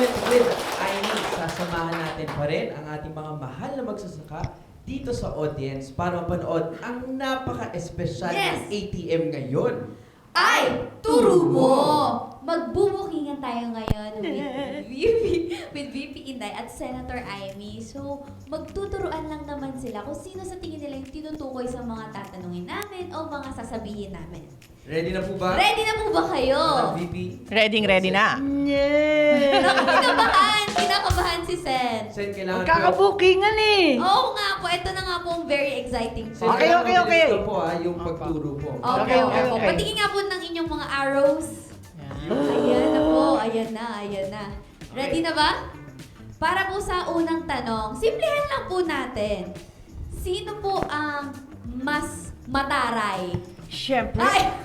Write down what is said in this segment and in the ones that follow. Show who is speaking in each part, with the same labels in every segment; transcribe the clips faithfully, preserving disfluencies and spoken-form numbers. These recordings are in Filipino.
Speaker 1: moment with Aimee, sasamahan natin pa rin ang ating mga mahal na magsasaka dito sa audience para mapanood ang napaka-espesyal
Speaker 2: Yes!
Speaker 1: ng A T M ngayon.
Speaker 2: Ay, turo mo! Magbubukingan tayo ngayon with V P, with V P Inday at Senator Aimee. So, magtuturuan lang naman sila kung sino sa tingin nila yung tinutukoy sa mga tatanungin namin o mga sasabihin namin.
Speaker 1: Ready na po ba?
Speaker 2: Ready na po ba kayo?
Speaker 1: Madam V P?
Speaker 3: Ready, ready na.
Speaker 4: Yeah!
Speaker 2: Naku, kinakabahan! Kinakabahan si Sen.
Speaker 1: Sen, kailangan
Speaker 4: Magkakabukingan eh!
Speaker 2: Oo nga po, ito na nga po ang very exciting
Speaker 1: Sen,
Speaker 2: part.
Speaker 4: Okay,
Speaker 1: kailangan
Speaker 4: okay, okay.
Speaker 1: mabilis ka po ah, yung pagturo po.
Speaker 2: Okay,
Speaker 4: Okay,
Speaker 2: okay,
Speaker 4: okay,
Speaker 2: po.
Speaker 4: okay.
Speaker 2: Patingin nga po ng inyong mga arrows. Ayan na po, ayan na, ayan na. Ready na ba? Para po sa unang tanong, simplihan lang po natin. Sino po ang mas mataray?
Speaker 4: Siyempre.
Speaker 2: Ay!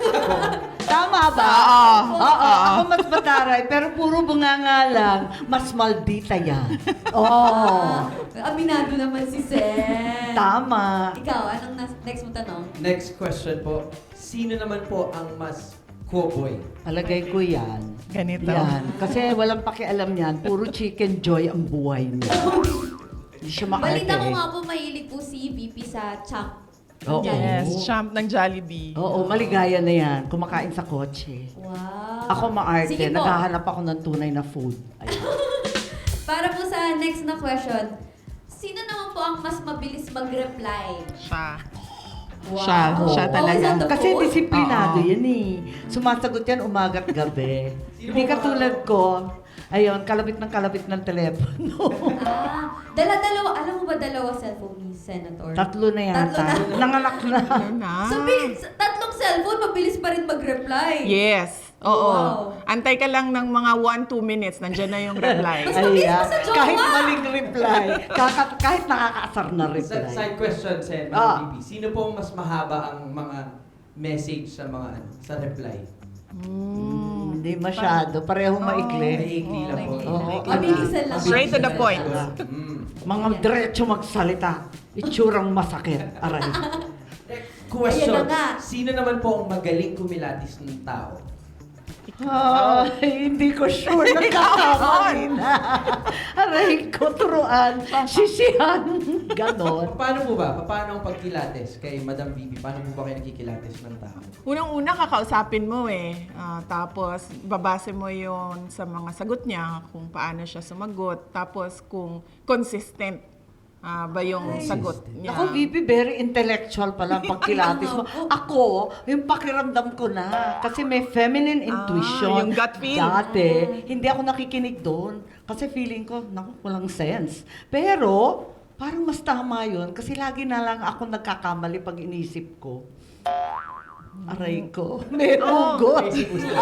Speaker 4: Tama ba?
Speaker 3: Oo.
Speaker 4: Oo, ako mas mataray, pero puro bunganga lang. Mas maldita yan. Oo.
Speaker 2: Ah, aminado naman si Sen.
Speaker 4: Tama.
Speaker 2: Ikaw, anong nas- next mo tanong?
Speaker 1: Next question po. Sino naman po ang mas cowboy?
Speaker 4: Palagay ko yan.
Speaker 3: Ganito.
Speaker 4: Yan. Kasi walang pakialam yan. Puro chicken joy ang buhay niya. Hindi siya makarte.
Speaker 2: Balita ko nga po, mahilig po si V P sa champ.
Speaker 4: Oo.
Speaker 3: Yes, champ ng Jollibee.
Speaker 4: Oo, maligaya na yan. Kumakain sa kotse.
Speaker 2: Wow.
Speaker 4: Ako maarte.
Speaker 2: Sige po.
Speaker 4: Naghahanap ako ng tunay na food. Ayun.
Speaker 2: Para po sa next na question, sino naman po ang mas mabilis mag-reply?
Speaker 3: Siya.
Speaker 2: Wow.
Speaker 3: Siya, siya talaga.
Speaker 2: Always on the
Speaker 4: Kasi
Speaker 2: phone?
Speaker 4: disiplinado
Speaker 3: Oo.
Speaker 4: yan eh. Sumasagot yan umagat gabi.
Speaker 1: Sino
Speaker 4: Hindi
Speaker 1: ba-
Speaker 4: katulad ko, ayun, kalabit ng kalabit ng telepono.
Speaker 2: Ah, dala-dalawa. Alam mo ba dalawa cellphone ni Senator?
Speaker 4: Tatlo na yata.
Speaker 2: Tatlo na.
Speaker 4: Nanganak na.
Speaker 3: Ano na?
Speaker 2: So, bilis, tatlong cellphone, mabilis pa rin mag-reply.
Speaker 3: Yes. Oo.
Speaker 2: Wow.
Speaker 3: Antay ka lang ng mga one to two minutes, nandiyan na yung reply.
Speaker 2: Mas mabilis
Speaker 4: Ayan.
Speaker 2: pa sa jowa.
Speaker 4: Kahit maling reply. Kaka- kahit nakakaasar na
Speaker 1: Sa-
Speaker 4: reply.
Speaker 1: Side question, Sen,
Speaker 4: Ah.
Speaker 1: Madam V P. Sino po ang mas mahaba ang mga message sa mga ano, sa reply?
Speaker 4: Hmm, Hindi masyado. Parehong maikli.
Speaker 1: Maikli lang po.
Speaker 4: Oo.
Speaker 2: Mabilisan lang.
Speaker 3: Straight to the point.
Speaker 1: Mm.
Speaker 4: Mga diretso magsalita. Itsurang masakit. Aray.
Speaker 1: Question.
Speaker 2: Ayan na nga.
Speaker 1: Sino naman po ang magaling kumilatis ng tao?
Speaker 4: Ay, hindi ko sure. Nagkakamali na. Aray ko, turuan. Sisihan. Ganon.
Speaker 1: Paano po ba? Paano ang pagkilates kay Madam V P? Paano po ba kayo nagkikilates ng tao?
Speaker 3: Unang-una, kakausapin mo eh. Ah, tapos, babase mo yon sa mga sagot niya, kung paano siya sumagot. Tapos, kung consistent ah, ba yung
Speaker 2: Ay.
Speaker 3: sagot niya.
Speaker 4: Ako, V P, very intellectual pala ang pagkilatis mo. Ako, yung pakiramdam ko na. Kasi may feminine intuition.
Speaker 3: yung gut feel.
Speaker 4: Dati, hindi ako nakikinig doon. Kasi feeling ko, naku, walang sense. Pero, parang mas tama yun. Kasi lagi na lang ako nagkakamali pag inisip ko. Aray ko. May hugot.
Speaker 1: Basic po sila.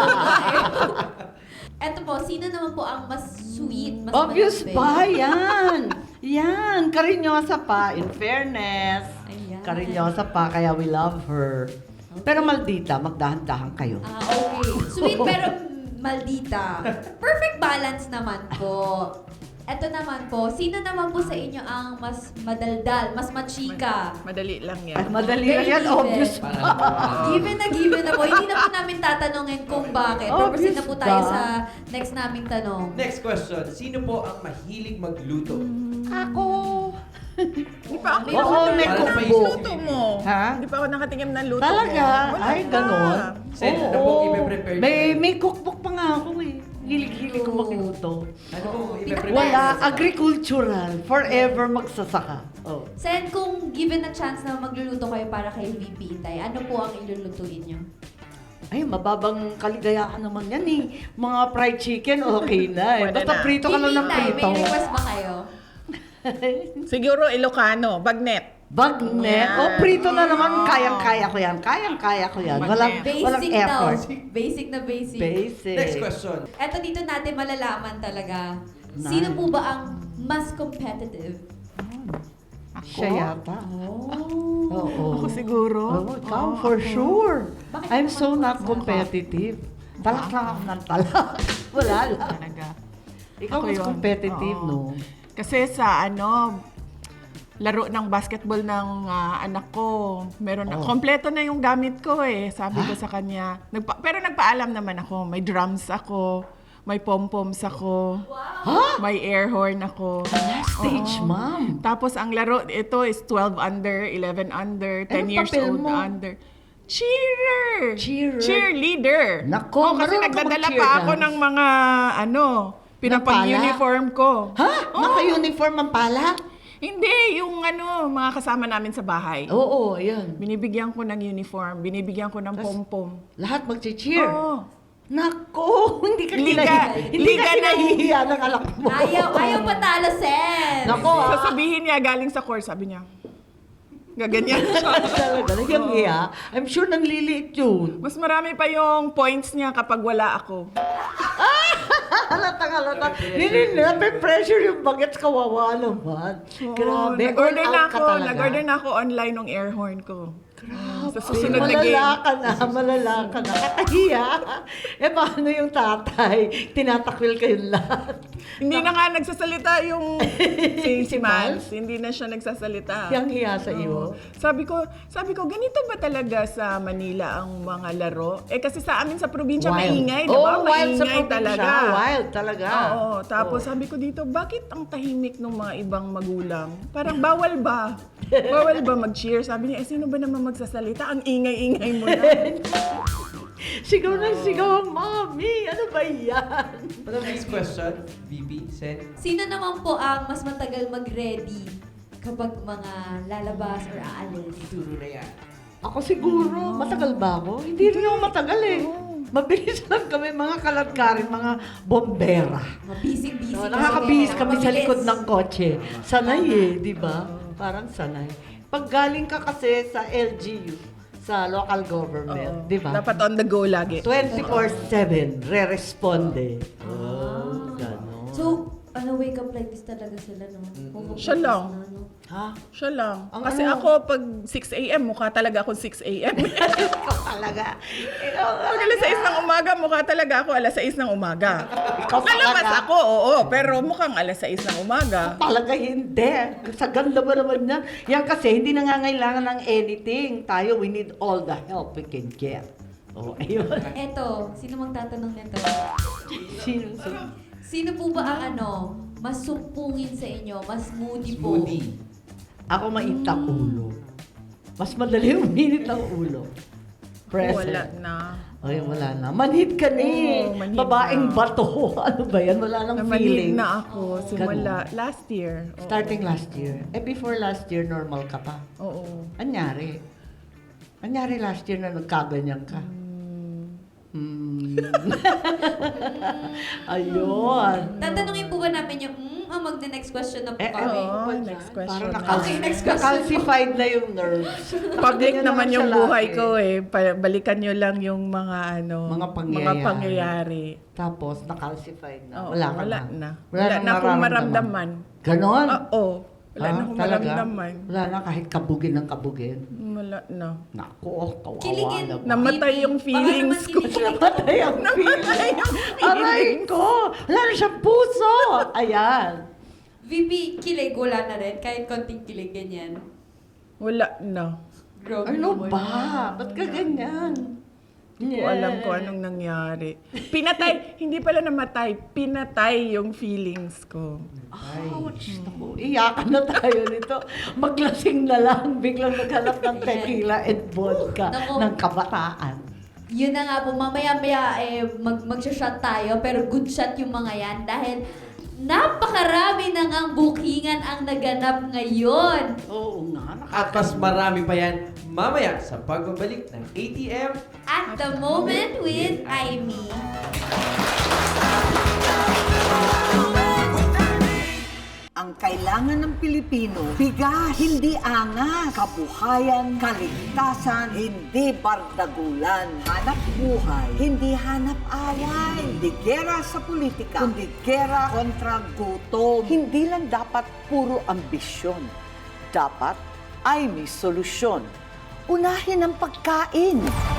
Speaker 2: Eto po, sino naman po ang mas sweet, mas
Speaker 4: Obvious
Speaker 2: malambing?
Speaker 4: pa, yan. Yan, karinyosa pa, in fairness.
Speaker 2: Ayan.
Speaker 4: Karinyosa pa, kaya we love her. Pero maldita, magdahan-dahan kayo.
Speaker 2: Ah, okay. Sweet pero maldita. Perfect balance naman po. Eto naman po, sino naman po sa inyo ang mas madaldal, mas machika?
Speaker 3: Madali lang yan.
Speaker 4: At madali lang
Speaker 2: Very
Speaker 4: yan,
Speaker 2: given.
Speaker 4: obvious pa.
Speaker 1: Parang,
Speaker 2: Given na given na po. Hindi na po namin tatanungin kung bakit. Pero proceed na po
Speaker 4: Obvious
Speaker 2: tayo
Speaker 4: ba?
Speaker 2: sa next naming tanong.
Speaker 1: Next question. Sino po ang mahilig magluto?
Speaker 4: Ako.
Speaker 3: Hindi pa ako
Speaker 2: May
Speaker 4: Oo,
Speaker 2: mga-
Speaker 4: may
Speaker 1: Para
Speaker 4: kumbo.
Speaker 1: maisip-
Speaker 3: luto mo.
Speaker 4: Ha?
Speaker 3: Hindi pa ako nakatingin ng luto
Speaker 4: Talaga?
Speaker 3: mo. Wala
Speaker 4: Ay,
Speaker 3: pa.
Speaker 4: ganon.
Speaker 1: Sen, ano pong ipe-prepare niyo?
Speaker 4: May, may cookbook pa nga ako eh. Hilig-hilig ko magluto.
Speaker 1: Ano pong ipe-prepare?
Speaker 4: Wala,
Speaker 1: niyo?
Speaker 4: agricultural. Forever magsasaka. Oh.
Speaker 2: Sen, kung given a chance na magluluto kayo para kay V P Inday, ano po ang ilulutuin nyo?
Speaker 4: Ay, mababang kaligayahan naman yan eh. Mga fried chicken, okay na eh.
Speaker 3: Pwede
Speaker 4: Basta
Speaker 3: na.
Speaker 4: prito ka lang ng
Speaker 2: Inday,
Speaker 4: prito.
Speaker 2: may request ba kayo?
Speaker 3: Siguro Ilocano, bagnet.
Speaker 4: Bagnet.
Speaker 3: Yan.
Speaker 4: O, prito na naman.
Speaker 3: Oo.
Speaker 4: Kayang-kaya ko yan. Kayang-kaya ko yan.
Speaker 3: Bagnet.
Speaker 4: Walang, walang
Speaker 2: Basic daw.
Speaker 4: effort.
Speaker 2: Basic na basic.
Speaker 4: Basic.
Speaker 1: Next question.
Speaker 2: Eto dito natin malalaman talaga.
Speaker 4: Nice.
Speaker 2: Sino po ba ang mas competitive?
Speaker 3: Ako?
Speaker 4: Siya yata.
Speaker 2: Oh.
Speaker 4: Oo.
Speaker 3: Ako siguro.
Speaker 4: Oh, ikaw,
Speaker 3: Oo,
Speaker 4: for
Speaker 3: ako.
Speaker 4: sure.
Speaker 2: Bakit
Speaker 4: I'm
Speaker 2: naman
Speaker 4: so
Speaker 2: po
Speaker 4: not
Speaker 2: sa-
Speaker 4: competitive. Talak lang ako ng talak. Wala lang.
Speaker 3: Talaga.
Speaker 4: Ikaw
Speaker 3: Ako
Speaker 4: mas
Speaker 3: yun.
Speaker 4: competitive,
Speaker 3: Oo.
Speaker 4: no?
Speaker 3: Kasi sa ano, laro ng basketball ng ah, anak ko, meron na,
Speaker 4: Oh.
Speaker 3: kompleto na yung gamit ko eh. Sabi ko sa kanya. Nagpa, pero nagpaalam naman ako, may drums ako, may pom-poms ako,
Speaker 4: Ha?
Speaker 3: may air horn ako.
Speaker 4: Last stage,
Speaker 3: Oo.
Speaker 4: ma'am.
Speaker 3: Tapos ang laro, ito is twelve under, eleven under, ten
Speaker 4: Anong
Speaker 3: years
Speaker 4: papel
Speaker 3: old
Speaker 4: mo?
Speaker 3: under. Cheerer!
Speaker 4: Cheerer.
Speaker 3: Cheerleader!
Speaker 4: Nako,
Speaker 3: Oh, kasi
Speaker 4: marunong ka
Speaker 3: nagdadala
Speaker 4: mag-cheer
Speaker 3: pa ako
Speaker 4: dance.
Speaker 3: ng mga, ano, pinapag-uniform ko.
Speaker 4: Ha? Naka-uniform ang pala?
Speaker 3: Hindi, yung ano, mga kasama namin sa bahay.
Speaker 4: Oo, ayan.
Speaker 3: Binibigyan ko ng uniform, binibigyan ko ng
Speaker 4: Tas-
Speaker 3: pom-pom.
Speaker 4: Lahat mag-cheer.
Speaker 3: Oo.
Speaker 4: Nako, hindi ka
Speaker 3: Liga-
Speaker 4: kinahihiya. Hindi
Speaker 3: liga
Speaker 4: ka
Speaker 3: ng-
Speaker 4: kinahihiya ng anak mo.
Speaker 2: Ayaw, ayaw patalo, Sen.
Speaker 4: Nako, ah.
Speaker 3: Sasabihin niya, galing sa course, sabi niya. Gaganyan siya.
Speaker 4: Talaga, nagyang iya. I'm sure nanliliit yun.
Speaker 3: Mas marami pa yung points niya kapag wala ako.
Speaker 4: Halata, halata. Hindi na, may pressure yung bagets, kawawa naman. Grabe,
Speaker 3: Nag-order
Speaker 4: all
Speaker 3: na
Speaker 4: out ka
Speaker 3: ako,
Speaker 4: talaga.
Speaker 3: nag-order na ako online ng air horn ko.
Speaker 4: Grabe,
Speaker 3: Sa susunod na game.
Speaker 4: malala ka na, malala ka na. Kakahiya. Eh, paano yung tatay? Tinatakwil kayong lahat.
Speaker 3: Hindi na nga nagsasalita yung si, si
Speaker 4: Si
Speaker 3: Mals. Hindi na siya nagsasalita.
Speaker 4: Yang hiya sa
Speaker 3: Oo.
Speaker 4: iyo.
Speaker 3: Sabi ko, sabi ko, ganito ba talaga sa Manila ang mga laro? Eh kasi sa amin sa probinsya maingay, di ba?
Speaker 4: Oh, wild sa
Speaker 3: Maingay
Speaker 4: probinsya.
Speaker 3: talaga.
Speaker 4: Wild talaga.
Speaker 3: Oo, tapos
Speaker 4: Oo.
Speaker 3: sabi ko dito, bakit ang tahimik ng mga ibang magulang? Parang bawal ba? Bawal ba mag-cheer? Sabi niya, eh sino ba naman magsasalita? Ang ingay-ingay mo na.
Speaker 4: Sigaw na sigaw ang mami. Ano ba yan?
Speaker 1: Ano next question? V P, Sen?
Speaker 2: Sino naman po ang mas matagal mag-ready kapag mga lalabas or aalis?
Speaker 1: Ituro na yan.
Speaker 4: Ako siguro. Matagal ba ako? Hindi rin ako matagal eh. Mabilis lang kami, mga kalatkarin, mga bombera.
Speaker 2: Mabisig-bisig.
Speaker 4: No,
Speaker 2: kasi
Speaker 4: nakakabihis
Speaker 2: kayo.
Speaker 4: kami sa
Speaker 2: Mabilis.
Speaker 4: likod ng kotse. Sanay eh, di ba? Parang sanay. Pag galing ka kasi sa L G U, sa local government,
Speaker 3: Oo.
Speaker 4: di ba?
Speaker 3: Dapat on the go lagi.
Speaker 4: twenty-four seven, re-responde. Oh,
Speaker 2: Ah.
Speaker 4: gano'n.
Speaker 2: So, ano, wake up like this talaga sila, no? Pumupunta
Speaker 3: Siya lang.
Speaker 2: na, no?
Speaker 4: Ha?
Speaker 3: Siya lang.
Speaker 4: Ang
Speaker 3: Kasi
Speaker 4: ano?
Speaker 3: ako, pag six a.m., mukha talaga ako six a.m.
Speaker 4: Ikaw talaga. Ikaw
Speaker 3: Pag alas sais ng umaga, mukha talaga ako alas sais ng umaga.
Speaker 4: Ikaw
Speaker 3: Lalabas
Speaker 4: talaga.
Speaker 3: ako, oo, pero mukhang alas sais ng umaga.
Speaker 4: Talaga hindi. Sa ganda ba naman niya? Yan kasi, hindi nangangailangan ng anything. Tayo, we need all the help we can get. Oh, ayun.
Speaker 2: Eto, sino mang tatanong nito?
Speaker 4: Sino sa...
Speaker 2: Sino po ba ang ano, mas sumpungin sa inyo, mas moody po?
Speaker 1: Smoothie.
Speaker 4: Ako mainit ang ulo. Mas madali uminit ang ulo. Present.
Speaker 3: Wala na.
Speaker 4: Ay, wala na. Manhid ka ni.
Speaker 3: Oo, manhid
Speaker 4: Babaeng
Speaker 3: na.
Speaker 4: bato. Ano ba yan? Wala nang
Speaker 3: Namanhid
Speaker 4: feeling.
Speaker 3: na ako simula last year. Oo.
Speaker 4: Starting last year. Eh, before last year, normal ka pa.
Speaker 3: Oo.
Speaker 4: Anyari? Anyari last year na nagkaganyan ka? Hmm. Ayun.
Speaker 2: Tatanungin po ba namin yung, mm, ang magna-next question na po
Speaker 4: Eh,
Speaker 2: kami?
Speaker 3: oo.
Speaker 4: ba
Speaker 3: next
Speaker 4: dyan?
Speaker 3: question
Speaker 4: Parang
Speaker 3: na.
Speaker 4: nakal-
Speaker 2: Okay, next question.
Speaker 4: nakalsified na yung nerves.
Speaker 3: Public
Speaker 4: Ganyan
Speaker 3: naman yung
Speaker 4: siya
Speaker 3: buhay
Speaker 4: lagi.
Speaker 3: ko eh. Pa- balikan nyo lang yung mga ano,
Speaker 4: Mga
Speaker 3: mga
Speaker 4: pangyayari.
Speaker 3: pangyayari.
Speaker 4: Tapos, nakalsified na.
Speaker 3: Oo,
Speaker 4: wala ka
Speaker 3: wala
Speaker 4: na.
Speaker 3: na.
Speaker 4: Wala,
Speaker 3: Wala
Speaker 4: nang
Speaker 3: na akong
Speaker 4: mararamdaman.
Speaker 3: maramdaman.
Speaker 4: Ganon?
Speaker 3: Oo. Wala
Speaker 4: Ah,
Speaker 3: na akong
Speaker 4: talaga?
Speaker 3: maramdaman.
Speaker 4: Wala na kahit kabugin ng kabugin.
Speaker 3: Wala na.
Speaker 4: Naku, kawawa
Speaker 2: Kiligin.
Speaker 4: naman.
Speaker 3: Namatay yung
Speaker 2: Baka
Speaker 3: feelings
Speaker 2: naman
Speaker 3: ko.
Speaker 2: kiligin.
Speaker 4: Namatay ang feeling. Aray ko! Wala na siyang puso! Ayan.
Speaker 2: V P, kilig, wala na rin. Kahit konting kilig, ganyan.
Speaker 3: Wala na.
Speaker 2: Grabe
Speaker 4: Ano
Speaker 2: naman.
Speaker 4: ba? Ba't ka ganyan?
Speaker 3: Hindi ko alam kung anong nangyari. Pinatay, hindi pala namatay, pinatay yung feelings ko.
Speaker 4: Ouch! Naku, iyakan na tayo nito. Maglasing na lang. Biglang naghanap ng tequila and vodka
Speaker 2: Naku.
Speaker 4: ng kabataan.
Speaker 2: Yun na nga po, mamaya-maya eh, mag magsha-shot tayo, pero good shot yung mga yan dahil napakarami na ngang bookingan ang naganap ngayon.
Speaker 4: Oo nga.
Speaker 1: At mas marami pa yan mamaya sa pagbabalik ng A T M.
Speaker 2: At the moment with Aimee.
Speaker 5: Ang kailangan ng Pilipino, bigas, hindi angas, kabuhayan, kaligtasan, hindi bardagulan, hanap buhay, hindi hanap away, hindi gera sa politika, kundi gera kontra gutom. Hindi lang dapat puro ambisyon, dapat ay may solusyon. Unahin ang pagkain.